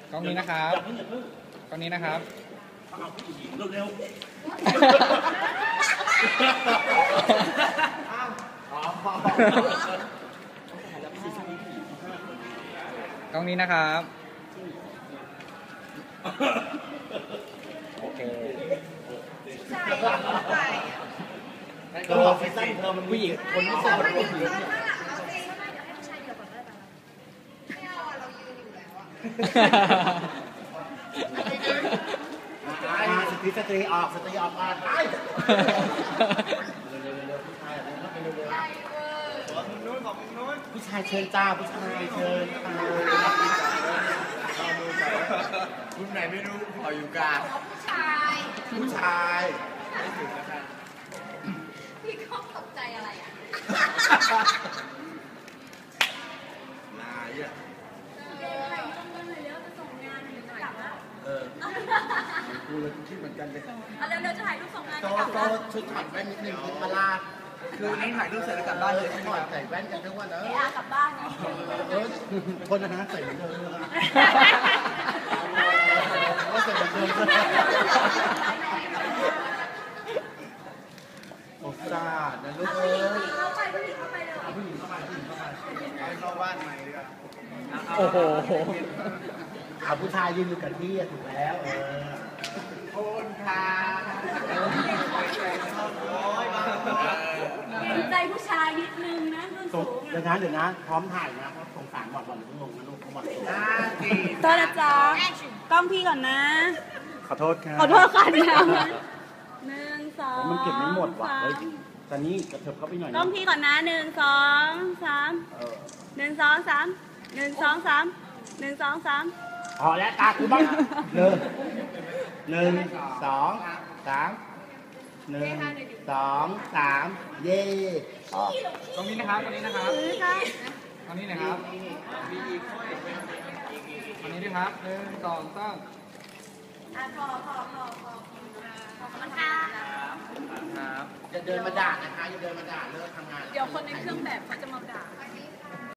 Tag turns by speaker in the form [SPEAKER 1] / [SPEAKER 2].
[SPEAKER 1] กล้องนี้นะครับกล้องนี้นะครับ
[SPEAKER 2] เร็ว
[SPEAKER 1] กล้องนี้นะครับโอเค
[SPEAKER 2] ก็แฟชั่นเธอมันผู้หญิงคนที่สวยกว่าผู้หญิงสตรีออกมาผู้ชายเชิญจ้าผู้ชายเชิญรุ่นไหนไม่รู้ขออยู่กลางผู้ชายไม่ถึงนะครับ
[SPEAKER 3] พี่ก็ตกใจอะไรอ่ะ
[SPEAKER 2] นายอ่ะกูเลยคิดเหมือนกันเลย
[SPEAKER 3] เร็วๆจะถ่ายรูปส่งงาน
[SPEAKER 2] ก็ชุดถอดแว่นนิดนึงคิดมาลาคือนี่ถ่ายรูปเสร็จแล้วกลับบ้านเลยถอดใส่แว่นกันทุกวันนะ
[SPEAKER 3] กลับบ้านเนี่ย
[SPEAKER 2] คนนะใส่เหมือนเดิมก็ใส่เหมือนเดิมโอ้ซาดนะลูกเอ้ย
[SPEAKER 3] เข้าไปเลย
[SPEAKER 2] ผู้หญิงเข้าบ้านใหม่ดีกว่า
[SPEAKER 1] โอ้โห
[SPEAKER 2] ผู้ชายยืนอยู่กับที่ถูกแล้วคนค่ะ
[SPEAKER 3] เห็นใจผู้ชายนิดนึงนะ
[SPEAKER 2] เดี๋ยวนะพร้อมถ่ายนะเพราะสงสารบอลลงนะลูกเขาบอล
[SPEAKER 3] โทษนะจ๊ะกล้องพี่ก่อนนะ
[SPEAKER 2] ขอโทษค่ะ
[SPEAKER 3] ขอโทษค่ะเนี่ย1 2
[SPEAKER 2] มันเก็บไม่หมดว่ะเฮ้ยตอนนี้กระเถิบเข้าไปหน่อย
[SPEAKER 3] กล้องพี่ก่อนนะ1 2 3 1 2 3 1 2 3 1 2 3
[SPEAKER 2] พอแล้วตาคือบ้าง1 2 3 1 2 3เย่
[SPEAKER 1] ตรงนี้นะครับตรงนี้นะครับตรงนี้นะครับตรงนี้ด้วยครับ1 2 3
[SPEAKER 3] พอขอบคุณค่ะ
[SPEAKER 2] อย่าเดินมาด่านะคะอย่าเดินมาด่าเลิกทำงาน
[SPEAKER 3] เดี๋ยวคนในเครื่องแบบเขาจะมาด่า